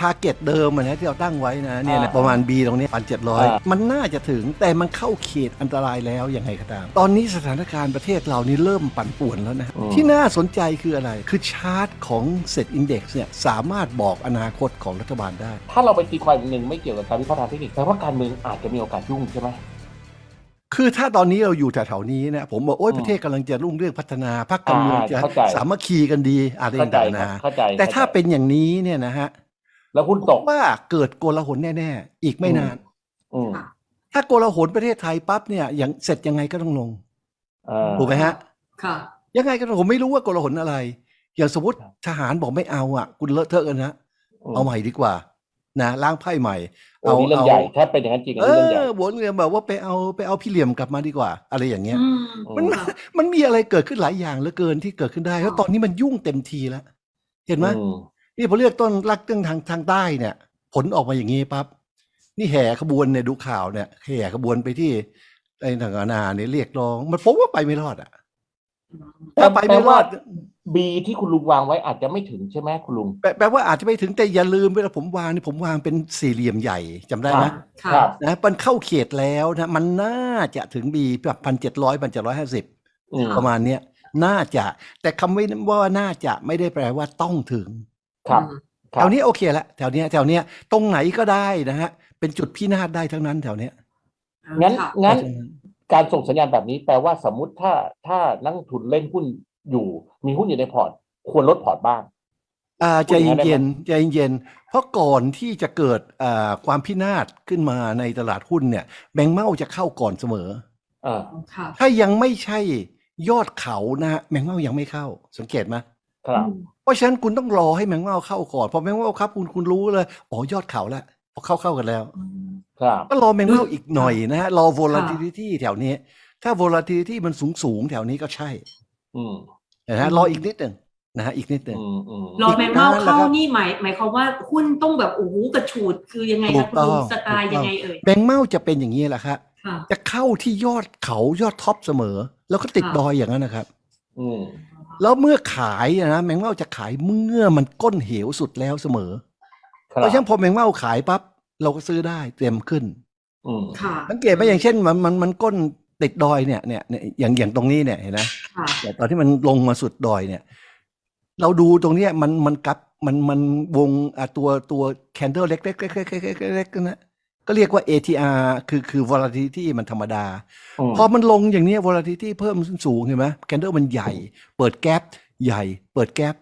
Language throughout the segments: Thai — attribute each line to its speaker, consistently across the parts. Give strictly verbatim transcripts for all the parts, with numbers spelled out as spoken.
Speaker 1: าร์เก็ตเดิมนะที่เราตั้งไว้นะเนี่ยนะประมาณ B ตรงนี้พันเจ็ดร้อยมันน่าจะถึงแต่มันเข้าเขตอันตรายแล้วยังไงก็ตามตอนนี้สถานการณ์ประเทศเรานี่เริ่มปั่นป่วนแล้วนะที่น่าสนใจคืออะไรคือชาร์ตของเซตอินเด็กซ์เนี่ยสามารถบอกอนาคตของรัฐบาลได้
Speaker 2: ถ้าเราไปตีความหนึ่งไม่เกี่ยวกับการวิเคราะห์ทางเทคนิคแต่ว่าการเมืองอาจจะมีโอกาสยุ่งใช่ไหม
Speaker 1: คือถ้าตอนนี้เราอยู่แถวๆนี้เนี่ยผมบอกโอ้ยประเทศกำลังจะรุ่งเรืองพัฒนาพรรคการเมืองจะสามัคคีกันดีอะไรต่างๆนะแต่ถ้าเป็นอย่างนี้เนี่ยนะฮะ
Speaker 2: แล้วหุ้นตก
Speaker 1: ว่าเกิดโกลาหลแน่ๆอีกไม่นานถ้าโกลาหลประเทศไทยปั๊บเนี่ยอย่างเสร็จยังไงก็ต้องลงถูกไหมฮะ
Speaker 3: ค่ะ
Speaker 1: ยังไงก็ผมไม่รู้ว่าโกลาหลอะไรอย่างสมมติทหารบอกไม่เอาอ่ะคุณเลอะเทอะกันนะเอาใหม่ดีกว่านะล้างไพ่ใหม่
Speaker 2: เอาเรื่องใหญ่ถ้าเป็นอย่างนั้นจริงเรื่องใหญ่
Speaker 1: บนเรียนแบบว่าไปเอาไปเอาพี่เหลี่ยมกลับมาดีกว่าอะไรอย่างเงี้ยมันมันมีอะไรเกิดขึ้นหลายอย่างเหลือเกินที่เกิดขึ้นได้แล้วตอนนี้มันยุ่งเต็มทีแล้วเห็นไหมนี่พอเลือกต้นรักเรื่องทางทางใต้เนี่ยผลออกมาอย่างนี้ปั๊บนี่แห่ขบวนเนี่ยดูข่าวเนี่ยแห่ขบวนไปที่ไอ้ทางอาณาเนี่ยเรียกร้องมันพบว่าไปไม่รอดอ่ะ
Speaker 2: ถ้าไปไม่รอดบีที่คุณลุงวางไว้อาจจะไม่ถึงใช่ไหมคุณลุง
Speaker 1: แปลว่าอาจจะไม่ถึงแต่อย่าลืมเวลาผมวางนี่ผมวางเป็นสี่เหลี่ยมใหญ่จำได้ไหม
Speaker 2: ครับ
Speaker 1: นะมันเข้าเขตแล้วนะมันน่าจะถึงบีแบบพันเจ็ดร้อยพันเจ็ดร้อยห้าสิบประมาณเนี้ยน่าจะแต่คำว่าน่าจะไม่ได้แปลว่าต้องถึง
Speaker 2: ครับ
Speaker 1: แถวนี้โอเคละแถวเนี้ยแถวเนี้ยตรงไหนก็ได้นะฮะเป็นจุดพินาศได้ทั้งนั้นแถวเนี้ย
Speaker 2: งั้นงั้นการส่งสัญญาณแบบนี้แปลว่าสมมุติถ้าถ้านักทุนเล่นหุ้นอยู่มีหุ้นอยู่ในพอร์ตควรลดพอร์ตบ้าง
Speaker 1: อ่าใจเย็นๆใจเย็นๆเพราะก่อนที่จะเกิดอ่าความพินาศขึ้นมาในตลาดหุ้นเนี่ยแบงก์เม้าจะเข้าก่อนเสมอ
Speaker 2: อ่า
Speaker 1: ถ้ายังไม่ใช่ยอดเขานะฮะแบงก์เม้ายังไม่เข้าสังเกตไหม
Speaker 2: ครับ
Speaker 1: เพราะฉะนั้นคุณต้องรอให้แบงก์เม้าเข้าก่อนพอแบงก์เม้าครับคุณคุณรู้เลยอ๋อยอดเขาแล้วพอเข้าเข้ากันแล้วก็รอแบงก์เม้าอีกหน่อยนะฮะรอ volatility แถวนี้ถ้า volatility มันสูงสูงแถวนี้ก็ใช่นะฮะรออีกนิดหนึ่งนะฮะอีกนิดหนึ่ง
Speaker 3: รอแมงเม่าเข้านี่หมายหมายความว่าหุ้นต้องแบบโอ้โหกระฉูดคือยังไงครับคุณลุงสไตล์ยังไงเอ่ย
Speaker 1: แบงก์เม่าจะเป็นอย่างนี้แหละครับจะเข้าที่ยอดเขายอดท็อปเสมอแล้วก็ติดดอยอย่างนั้นนะครับแล้วเมื่อขายนะแมงเม่าจะขายเมื่อมันก้นเหวสุดแล้วเสมอเพราะฉะนั้นพอแมงเม่าขายปั๊บเราก็ซื้อได้เต็มขึ้นสังเกตไหมอย่างเช่นมันมันมันก้นติดดอยเนี่ยเนี่ยอย่างอย่างตรงนี้เนี่ยเห็นไหมแต่ตอนที่มันลงมาสุดดอยเนี่ยเราดูตรงนี้มันมันกับมันมันวงอ่ะตัวตัวแคนเดลเล็กเล็กเล็กเล็กเล็กเล็กนะก็เรียกว่า เอ ที อาร์ คือคือ volatility มันธรรมดาพอมันลงอย่างนี้ volatility เพิ่มสูงเห็นไหมแคนเดลมันใหญ่เปิดแกปใหญ่เปิดแกป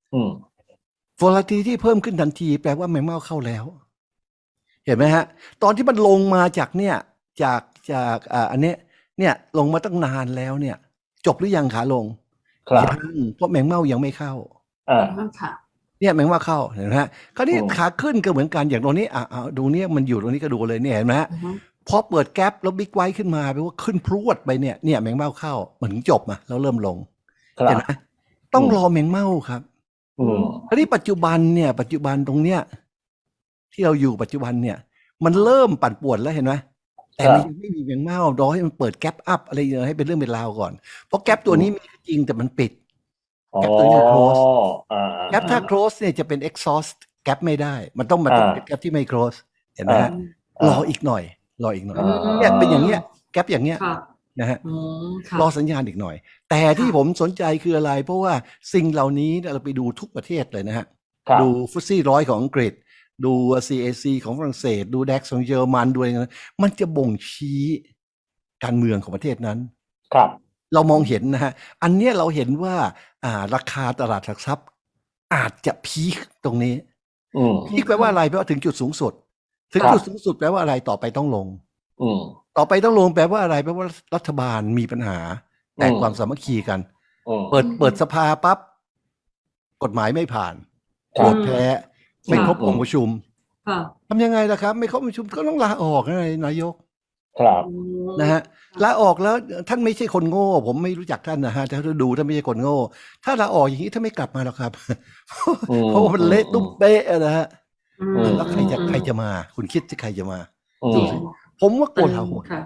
Speaker 1: volatility เพิ่มขึ้นทันทีแปลว่าแมงเม่าเข้าแล้วเห็นไหมฮะตอนที่มันลงมาจากเนี่ยจากจากอ่าอันนี้เนี่ยลงมาตั้งนานแล้วเนี่ยจบหรือยังขาลงยังเพราะแมงเม่ายังไม่เข้า
Speaker 2: อ่า
Speaker 1: เนี่ยแมงเม่าเข้าเห็นไหมฮะคราวนี้ขาขึ้นก็เหมือนกันอย่างตรงนี้อ่าดูเนี่ยมันอยู่ตรงนี้ก็ดูเลยเนี่ยเห็นไหมฮะพอเปิดแกปแล้วบิ๊กไวท์ขึ้นมาแปลว่าขึ้นพรวดไปเนี่ยเนี่ยแมงเม่าเข้าเหมือนจบมาแล้วเริ่มลงเห็นไหมต้องรอแมงเม่าครับคราวนี้ปัจจุบันเนี่ยปัจจุบันตรงเนี้ยที่เราอยู่ปัจจุบันเนี่ยมันเริ่มปั่นป่วนแล้วเห็นไหมแต่มันยังไม่มีแมงเม่ารอให้มันเปิดแกปอัพอะไรอย่างเงี้ยให้เป็นเรื่องเป็นราวก่อนเพราะแกปตัวนี้มีจริงแต่มันปิดแกปตัวนี้ close แกปถ้า close เนี่ยจะเป็น exhaust แกปไม่ได้มันต้องมาเป็นแกปที่ไม่ close เห็นไหมฮะรออีกหน่อยรออีกหน่อยเนี่ยเป็นอย่างเงี้ยแกปอย่างเงี้ยนะฮะรอสัญญาณอีกหน่อยแต่ที่ผมสนใจคืออะไรเพราะว่าสิ่งเหล่านี้เราไปดูทุกประเทศเลยนะฮะดูฟุตซี่ร้อยของอังกฤษดู ซี เอ ซี ของฝรั่งเศสดู ดัค ของเยอรมันดูอะไรนั้นมันจะบ่งชี้การเมืองของประเทศนั้น
Speaker 2: ครับ
Speaker 1: เรามองเห็นนะฮะอันนี้เราเห็นว่าอ่าราคาตลาดหลักทรัพย์อาจจะพีคตรงนี้พีคแปลว่าอะไรแปลว่าถึงจุดสูงสุดถึงจุดสูงสุดแปลว่าอะไรต่อไปต้องลงต่อไปต้องลงแปลว่าอะไรแปลว่ารัฐบาลมีปัญหาแตกความสามัคคีกันเปิดเปิดสภาปั๊บกฎหมายไม่ผ่านโหวตแพ้ไม่ครบองค์ประชุมทำยังไงล่ะครับไม่ครบองค์ประชุมก็ต้องลาออกนะนายก
Speaker 2: ครับ
Speaker 1: นะฮะลาออกแล้วท่านไม่ใช่คนโง่ผมไม่รู้จักท่านนะฮะถ้าดูท่านไม่ใช่คนโง่ถ้าลาออกอย่างนี้ท่านไม่กลับมาหรอกครับเพราะมันเละตุ้มเป๊ะนะฮะแล้วใครจะใครจะมาคุณคิดจะใครจะมาผมว่าโกลาหล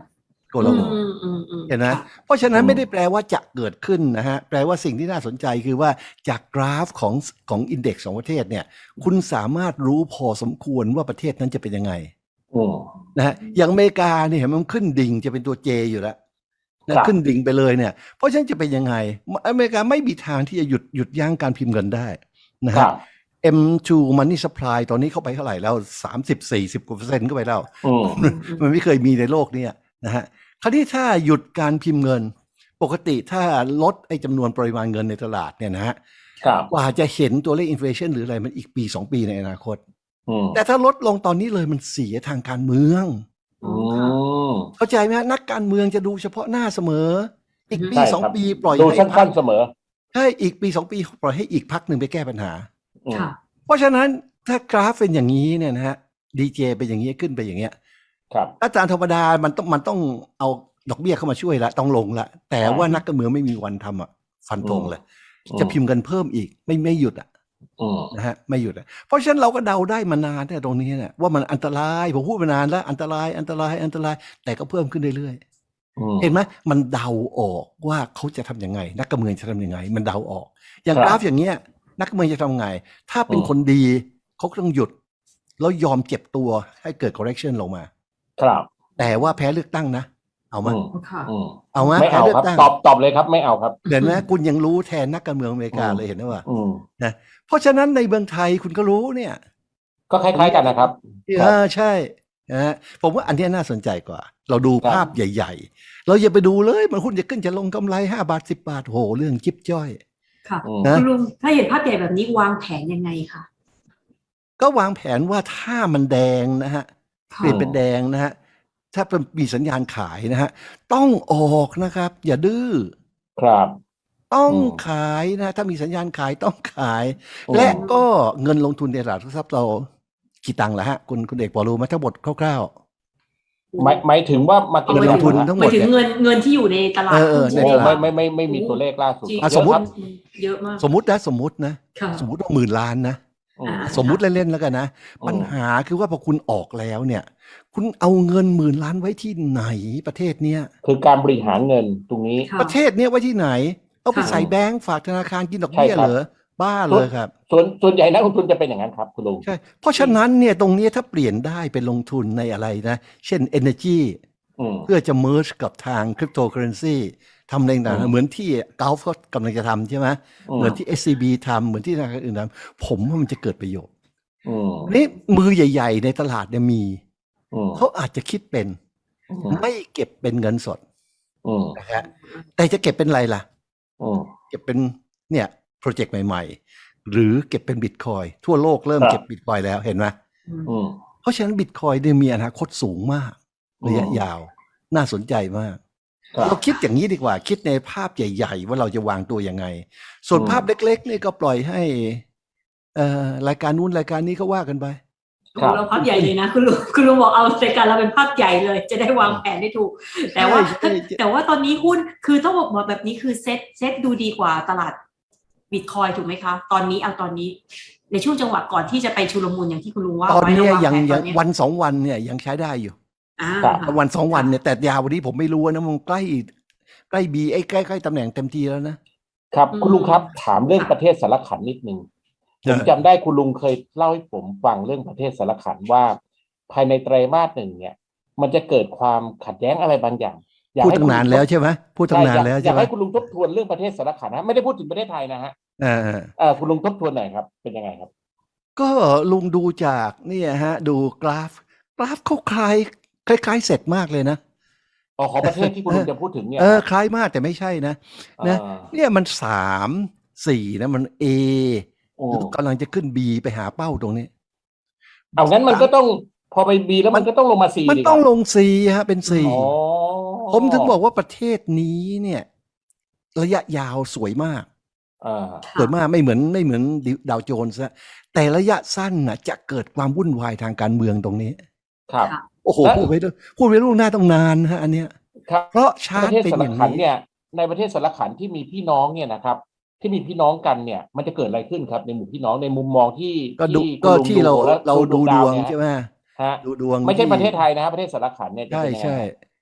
Speaker 1: โกลาหล
Speaker 3: อืมอืมอืม
Speaker 1: เห็นไหม
Speaker 3: ค่ะ
Speaker 1: เพราะฉะนั้น
Speaker 2: อืม
Speaker 1: ไม่ได้แปลว่าจะเกิดขึ้นนะฮะแปลว่าสิ่งที่น่าสนใจคือว่าจากกราฟของของอินเด็กซ์ของประเทศเนี่ยคุณสามารถรู้พอสมควรว่าประเทศนั้นจะเป็นยังไง
Speaker 2: อืม
Speaker 1: นะฮะอย่างอเมริกาเนี่ยเห็นไหมมันขึ้นดิ่งจะเป็นตัว J อยู่แล้วนะครับ ขึ้นดิ่งไปเลยเนี่ยเพราะฉะนั้นจะเป็นยังไงอเมริกาไม่มีทางที่จะหยุดหยุดยั้งการพิมพ์เงินได้นะ
Speaker 2: ครั
Speaker 1: ฮะ
Speaker 2: บ
Speaker 1: เอ็ม ทู Money Supply ตอนนี้เข้าไปเท่าไหร่แล้วสามสิบ สี่สิบกว่าเปอร์เซ็นต์เข้าไปแล้ว
Speaker 2: อืม
Speaker 3: อืมอืม
Speaker 1: มันไม่เคยมีในโลกเนี้นะฮะคราวนี้ถ้าหยุดการพิมพ์เงินปกติถ้าลดไอ้จำนวนปริมาณเงินในตลาดเนี่ยนะฮะ
Speaker 2: ครับ
Speaker 1: กว่าจะเห็นตัวเลขอินฟลชันหรืออะไรมันอีกปีสองปีในอนาคต
Speaker 2: อืม
Speaker 1: แต่ถ้าลดลงตอนนี้เลยมันเสียทางการเมือง
Speaker 2: อืม
Speaker 1: เข้าใจไหมฮะนักการเมืองจะดูเฉพาะหน้าเสมอ อีกปี
Speaker 2: ใช่
Speaker 1: สอง
Speaker 2: ครับ
Speaker 1: ปีปล่อย
Speaker 2: ดู
Speaker 1: ให้
Speaker 2: สั้นๆเสมอ
Speaker 1: ใช่อีกปีสองปีปล่อยให้อีกพักหนึ่งไปแก้ปัญหา
Speaker 2: อืม
Speaker 3: ค่ะ
Speaker 1: เพราะฉะนั้นถ้ากราฟเป็นอย่างนี้เนี่ยนะฮะดีเจเป็นอย่างนี้ขึ้นไปอย่างเงี้ย
Speaker 2: ครับ
Speaker 1: อาจารย์ธรรมดามันต้องมันต้องเอาดอกเบี้ยเข้ามาช่วยละต้องลงละแต่ว่านักการเมืองไม่มีวันทำอ่ะฟันธงเลย
Speaker 2: อืม
Speaker 1: จะพิมพ์กันเพิ่มอีกไม่ไม่หยุดอ่ะ
Speaker 2: อืม
Speaker 1: นะฮะไม่หยุดอ่ะเพราะฉะนั้นเราก็เดาได้มานานเนี่ยตรงนี้เนี่ยว่ามันอันตรายผมพูดมานานแล้วอันตรายอันตรายอันตรายแต่ก็เพิ่มขึ้นเรื่อย
Speaker 2: อืม
Speaker 1: ๆเห็นไหมมันเดาออกว่าเขาจะทำยังไง นักการเมืองจะทำยังไง มันเดาออก อย่าง
Speaker 2: ครับ
Speaker 1: กราฟอย่างเงี้ยนักการเมืองจะทำไง ถ้าเป็น
Speaker 2: อืม
Speaker 1: คนดีเขาก็ต้องหยุดแล้วยอมเจ็บตัวให้เกิด correction ลงมา
Speaker 2: ครับ
Speaker 1: แต่ว่าแพ้เลือกตั้งนะ เอามา
Speaker 2: อืม
Speaker 3: ค่ะ
Speaker 2: อืม
Speaker 1: เอามา
Speaker 2: ไม่
Speaker 1: แพ้
Speaker 2: เอา
Speaker 1: เลือ
Speaker 2: ครับ
Speaker 1: กตั้ง
Speaker 2: ตอบตอบเลยครับ ไม่เอาครับ
Speaker 1: เห็นไหมคุณยังรู้แทนนักการเมืองอเมริกา
Speaker 2: อืม
Speaker 1: เลยเห็นไหมว่า
Speaker 2: อืม
Speaker 1: นะเพราะฉะนั้นในเมืองไทยคุณก็รู้เนี่ย
Speaker 2: ก็คล้ายๆกันนะครับ
Speaker 1: เออใช่นะฮะผมว่าอันเนี้ยน่าสนใจกว่า เราดู
Speaker 2: ครับ
Speaker 1: ภาพใหญ่ ๆ เราอย่าไปดูเลยมันหุ้นจะขึ้นจะลงกำไรห้าบาทสิบบาทโหเรื่องจิ๊บจ้อย
Speaker 3: ค่ะ
Speaker 2: อืม
Speaker 1: นะ
Speaker 3: คุณลุงถ้าเห็นภาพใหญ่แบบนี้วางแผนยังไงคะ
Speaker 1: ก็วางแผนว่าถ้ามันแดงนะฮะ
Speaker 3: ค่ะ
Speaker 1: เปลี่ยนเป็นแดงนะฮะถ้าเป็นมีสัญญาณขายนะฮะต้องออกนะครับ อย่าดื้อ
Speaker 2: ครับ
Speaker 1: ต้อง
Speaker 2: อืม
Speaker 1: ขายนะถ้ามีสัญญาณขายต้องขาย
Speaker 2: อืม
Speaker 1: และก็เงินลงทุนในตลาดหลักทรัพย์เรากี่ตังค์ละฮะคุณคุณเอกพอรู้ไหมทั้งหมดคร่าว
Speaker 2: หมายหมายถึงว่ามา
Speaker 1: เงินลงทุนทั้งหมด
Speaker 3: หมายถึงเงินเงินที่อยู่ในตลาด
Speaker 1: เออเออ
Speaker 3: หุ้น
Speaker 1: ใน
Speaker 2: โอ้
Speaker 1: ตลาด
Speaker 2: ไม่ไม่ไม่ไม่มีตัวเลขล่าสุด
Speaker 3: จริง
Speaker 1: อ่ะ
Speaker 2: เย
Speaker 1: สมมุติ
Speaker 2: ครับ
Speaker 3: เยอะมาก
Speaker 1: ๆ สมมตินะสมมตินะ
Speaker 3: ค่ะ
Speaker 1: สมมติว่าหมื่นล้านนะ
Speaker 2: อืม
Speaker 3: อ่า
Speaker 1: สมมุติเล่นๆแล้วกันนะ
Speaker 2: อืม
Speaker 1: ปัญหาคือว่าพอคุณออกแล้วเนี่ย คุณเอาเงินหมื่นล้านไว้ที่ไหนประเทศเนี้ย
Speaker 2: คือการบริหารเงินตรงนี้
Speaker 3: ค่ะ
Speaker 1: ประเทศเนี้ยไว้ที่ไหน เอาไป
Speaker 3: ค่ะ
Speaker 1: ใส่แบงก์ฝากธนาคารกินดอกเบี้ย
Speaker 2: ใช่ครับ
Speaker 1: เหรอบ้าเลยครับ
Speaker 2: ส่วนส่วนใหญ่นักลงทุนจะเป็นอย่างนั้นครับคุณลุง
Speaker 1: ใช่ เพราะฉะนั้นเนี่ยตรงเนี้ยถ้าเปลี่ยนได้เป็นลงทุนในอะไรนะ เช่น energy
Speaker 2: อืม
Speaker 1: เพื่อจะ merge กับทางคริปโตเคอเรนซีทำอะไรต่าง
Speaker 2: อืม
Speaker 1: ๆเหมือนที่กอล์ฟเขากำลังจะทำใช่ไหม
Speaker 2: อืม
Speaker 1: เหมือนที่ เอส ซี บี ทำเหมือนที่ธนาคารอื่นทำผมว่ามันจะเกิดประโยชน์
Speaker 2: อืม
Speaker 1: นี่มือใหญ่ ๆ ในตลาดเนี่ยมี
Speaker 2: อืม
Speaker 1: เขาอาจจะคิดเป็น
Speaker 2: อืม
Speaker 1: ไม่เก็บเป็นเงินสด
Speaker 2: อืม
Speaker 1: นะฮะแต่จะเก็บเป็นอะไรล่ะ
Speaker 2: อืม
Speaker 1: เก็บเป็นเนี่ยโปรเจกต์ใหม่ๆ หรือเก็บเป็นบิตคอยทั่วโลกเริ่ม
Speaker 2: ครับ
Speaker 1: เก็บบิตคอยแล้วเห็นไหม
Speaker 3: อืม
Speaker 2: อืม
Speaker 1: เพราะฉะนั้นบิตคอยเนี่ยมีอนาคตสูงมาก
Speaker 2: อืม
Speaker 1: ระยะยาว น่าสนใจมาก
Speaker 2: ครับ
Speaker 1: เราคิดอย่างนี้ดีกว่า คิดในภาพใหญ่ ๆ ว่าเราจะวางตัวยังไง ส่วน
Speaker 2: อืม
Speaker 1: ภาพเล็กๆนี่ก็ปล่อยให้เอ่อรายการนู้นรายการนี้ก็ว่ากันไป
Speaker 2: ครับ
Speaker 3: เราภาพใหญ่เลยนะคุณลุงคุณลุงบอกเอารายการเราเป็นภาพใหญ่เลย จะได้วางแผนได้ถูก แต่ว่า
Speaker 1: ใช่ใช่ใช่
Speaker 3: แต่ว่าตอนนี้หุ้นคือต้องบอกว่าแบบนี้คือเซ็ตเซ็ตดูดีกว่าตลาดบิตคอยถูกไหมคะ ตอนนี้เอาตอนนี้ ในช่วงจังหวะก่อนที่จะไปชุลมุนอย่างที่คุณลุงว่า
Speaker 1: ตอน
Speaker 3: ไว้
Speaker 1: เนี้ย
Speaker 3: ระห
Speaker 1: ยัง
Speaker 3: แผนต
Speaker 1: ยั
Speaker 3: อง เนี้ย
Speaker 1: วันสองวันเนี่ยยังใช้ได้อยู่
Speaker 3: อ่า
Speaker 2: ครับ
Speaker 3: ค่ะ
Speaker 1: วันสองวันเนี่ยแต่ยาววันนี้ผมไม่รู้นะมันใกล้ใกล้บีไอ้ใกล้ใกล้ตำแหน่งเต็มทีแล้วนะครับ
Speaker 3: อืม
Speaker 2: คุณลุงครับถามเรื่อง
Speaker 3: ค่ะ
Speaker 2: ประเทศสารขันนิดนึงผม
Speaker 1: เออ
Speaker 2: จำได้คุณลุงเคยเล่าให้ผมฟังเรื่องประเทศสารขันว่า ภายในไตรมาสหนึ่งเนี่ย มันจะเกิดความขัดแย้งอะไรบางอย่างอยาก
Speaker 1: พูด
Speaker 2: ให้
Speaker 1: ตั้งนานแล้วใช่ไหมพูดตั้งนาน
Speaker 2: อยก
Speaker 1: แล้ว
Speaker 2: อ
Speaker 1: ใช่
Speaker 2: ยาก
Speaker 1: ไหม
Speaker 2: ให้คุณลุงทบทวนเรื่องประเทศสารขันนะไม่ได้พูดถึงประเทศไทยนะฮะ
Speaker 1: เออ
Speaker 2: เออคุณลุงทบทวนหน่อยครับเป็นยังไงครับ
Speaker 1: ก็ลุงดูจากเนี่ยฮะ ดูกราฟ กราฟเขาคล้ายคล้ายๆเสร็จมากเลยนะ
Speaker 2: อ๋อของประเทศที่คุณลุงจะพูดถึงเนี่ย
Speaker 1: เออคล้ายมากแต่ไม่ใช่นะนะ
Speaker 2: อ่า
Speaker 1: เนี่ยมันสามสี่นะมัน A
Speaker 2: โอ้
Speaker 1: กำลังจะขึ้น B ไปหาเป้าตรงนี้
Speaker 2: เอางั้นมันก็ต้องพอไปบีแล้วมันก็ต้องลงมาซี
Speaker 1: มัน
Speaker 2: ดิ
Speaker 1: ต้อง
Speaker 2: ครับ
Speaker 1: ลง C ฮะเป็น C
Speaker 2: อ๋อ
Speaker 1: ผมถึงบอกว่าประเทศนี้เนี่ย ระยะยาวสวยมาก
Speaker 2: อ่า
Speaker 1: สวยมากไม่เหมือนไม่เหมือนดาวโจนส์นะแต่ระยะสั้นนะจะเกิดความวุ่นวายทางการเมืองตรงนี้
Speaker 2: ครับ
Speaker 3: ค่ะ
Speaker 1: โอ้โห
Speaker 2: และ
Speaker 1: พูดไปด้วยพูดไปล่วงหน้าต้องนานนะฮะอันเนี้ย
Speaker 2: ครับ
Speaker 1: เพราะชา
Speaker 2: ป
Speaker 1: ร์ต
Speaker 2: ระเทศ
Speaker 1: เป็น
Speaker 2: สา
Speaker 1: อ
Speaker 2: ร
Speaker 1: ย่าง
Speaker 2: ขัน
Speaker 1: นี้
Speaker 2: เนี่ยในประเทศสารขันที่มีพี่น้องเนี่ยนะครับ ที่มีพี่น้องกันเนี่ย มันจะเกิดอะไรขึ้นครับ ในหมู่พี่น้องในมุมมองที่
Speaker 1: ก็ดู
Speaker 2: ที่
Speaker 1: ก็
Speaker 2: คุณลุง
Speaker 1: ที่เรา
Speaker 2: แล้ว
Speaker 1: เราดูดวง
Speaker 2: เนี่ย
Speaker 1: ใช่ไหม
Speaker 2: ฮะ
Speaker 1: ดูดวง
Speaker 2: ไม่ใช่
Speaker 1: ที่
Speaker 2: ประเทศไทยนะครับประเทศสารขันเนี่ยจะ
Speaker 1: ใช่
Speaker 2: เป็นยังไง
Speaker 1: ใช่
Speaker 2: ครับ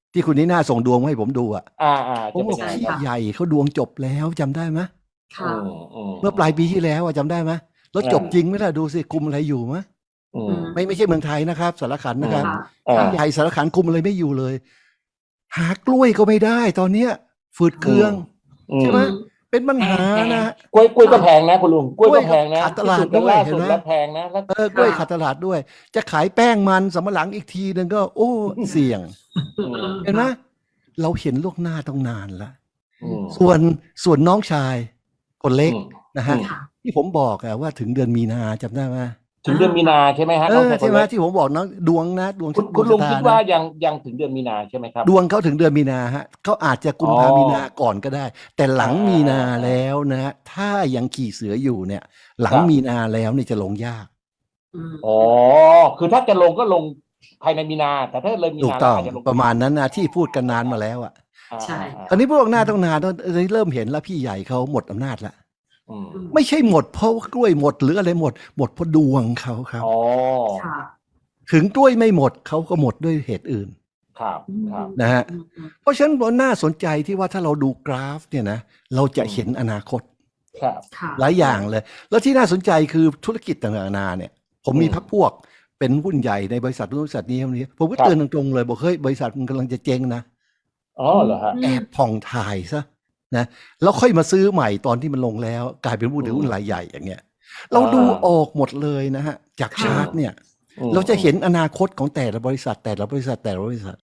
Speaker 1: ที่คุณนี่น่าส่งดวงมาให้ผมดูอ่ะ
Speaker 2: อ่าอ่า
Speaker 1: ผม
Speaker 2: จะ
Speaker 1: บ
Speaker 2: เป็
Speaker 1: อน ก
Speaker 2: ยังไง
Speaker 1: พี่
Speaker 2: ครับ
Speaker 1: ใหญ่เขาดวงจบแล้วจำได้ไหม
Speaker 3: ค่ะ
Speaker 2: อืมอืม
Speaker 1: เมื่อปลายปีที่แล้วอะจำได้ไหมแล้วจบจริงไหมล่ะดูสิคุมอะไรอยู่มะ
Speaker 2: อืม
Speaker 3: อืม
Speaker 1: ไม่ไม่ใช่เมืองไทยนะครับสารขันนะครับ
Speaker 3: ค่ะ
Speaker 2: อ่า
Speaker 1: พี่ใหญ่สารขันคุมอะไรไม่อยู่เลย หากล้วยก็ไม่ได้ตอนเนี้ยฝืดเคือง
Speaker 2: อืม
Speaker 1: ใช่ไหมเป็นปัญหา
Speaker 3: แพง
Speaker 1: นะ
Speaker 2: กล้วยกล้วยก็แพงนะคุณลุงกล้วยก็แพงนะ
Speaker 1: ขาดต
Speaker 2: ที่
Speaker 1: ลาด
Speaker 2: สุดกัน
Speaker 1: ด้วย
Speaker 2: ล่า
Speaker 1: เห็
Speaker 2: สุ
Speaker 1: น
Speaker 2: ด
Speaker 1: ไหม
Speaker 2: แล้วแพงนะแล้ว
Speaker 1: เออกล้วยขาดตลาดด้วย จะขายแป้งมันสำปะหลังอีกทีนึงก็ โอ้ เสี่ยง
Speaker 2: อืม
Speaker 1: เห็นไหมเราเห็นล่วงหน้าต้องนานแล้ว
Speaker 2: อืม
Speaker 1: ส่วนส่วนน้องชายคนเล็ก
Speaker 2: อืม
Speaker 1: นะฮะ
Speaker 2: อืม
Speaker 3: ค่ะ
Speaker 1: ที่ผมบอกอะว่าถึงเดือนมีนาจำได้ไหม
Speaker 2: ถึงเดือนมีนาใช่ไหมฮะ
Speaker 1: เอ
Speaker 2: น้อง
Speaker 1: อ
Speaker 2: ชายค
Speaker 1: ใช่
Speaker 2: น
Speaker 1: ไหม
Speaker 2: เล็ก
Speaker 1: ที่ผมบอกน้องดวงนะดวง
Speaker 2: คุณ
Speaker 1: ด
Speaker 2: คุ
Speaker 1: ว
Speaker 2: ณ
Speaker 1: ง
Speaker 2: ลุง
Speaker 1: ชะต
Speaker 2: คิด
Speaker 1: นะ
Speaker 2: ว่ายังยังถึงเดือนมีนาใช่ไหมครับ
Speaker 1: ดวงเขาถึงเดือนมีนาฮะเขาอาจจะกุมภา
Speaker 2: อ๋อ
Speaker 1: มีนาก่อนก็ได้ แต่หลัง
Speaker 2: อ่า
Speaker 1: มีนา
Speaker 2: อ่า
Speaker 1: แล้วนะฮะถ้ายังขี่เสืออยู่เนี่ย หลัง
Speaker 2: ครับ
Speaker 1: มีนาแล้วเนี่ยจะลงยาก
Speaker 3: อืม
Speaker 2: อ๋อคือถ้าจะลงก็ลงภายในมีนา แต่ถ้าเลยมี
Speaker 1: ถูก
Speaker 2: นา
Speaker 1: ต้
Speaker 2: แล้ว
Speaker 1: อง
Speaker 2: อาจจะลง
Speaker 1: ประมาณนั้นนะที่พูดกันนานมาแล้วอ่ะ
Speaker 2: อ่า
Speaker 3: ใช่
Speaker 2: อ่า
Speaker 1: ตอนนี้พวกหน้าต้องนานตอนนี้เริ่มเห็นแล้วพี่ใหญ่เขาหมดอำนาจแล้ว
Speaker 2: อืม
Speaker 1: ไม่ใช่หมดเพราะว่ากล้วยหมดหรืออะไรหมด หมดเพราะดวงเขาครับ
Speaker 2: อ๋อ
Speaker 3: ค่ะ
Speaker 1: ถึงกล้วยไม่หมดเขาก็หมดด้วยเหตุอื่น
Speaker 2: ครับครับ
Speaker 1: นะฮะ
Speaker 3: อืมอืม
Speaker 1: เพราะฉะนั้นมันน่าสนใจที่ว่าถ้าเราดูกราฟเนี่ยนะเราจะเห็นอนาคต
Speaker 2: ครับ
Speaker 3: ค่ะ
Speaker 1: หลายอย่างเลย แล้วที่น่าสนใจคือธุรกิจต่างๆนานาเนี่ย ผมมี
Speaker 2: อืม
Speaker 1: พักพวกเป็นหุ้นใหญ่ในบริษัทนู้นบริษัทนี้บริษัทนี้ผมก็
Speaker 2: ครับ
Speaker 1: เตือนตรงๆเลยบอกเฮ้ยบริษัทมันกำลังจะเจ๊งนะ
Speaker 2: อ๋อเหรอฮะ
Speaker 1: แอบผ่องถ่ายซะนะแล้วค่อยมาซื้อใหม่ตอนที่มันลงแล้ว กลายเป็นผู้ถือหุ้นรายใหญ่อย่างเงี้ย เราดูออกหมดเลยนะฮะจาก
Speaker 3: ค่ะ
Speaker 1: ชาร์ตเนี่ย
Speaker 2: อืม
Speaker 1: เราจะเห็นอนาคตของแต่ละบริษัทแต่ละบริษัทแต่ละบริษัท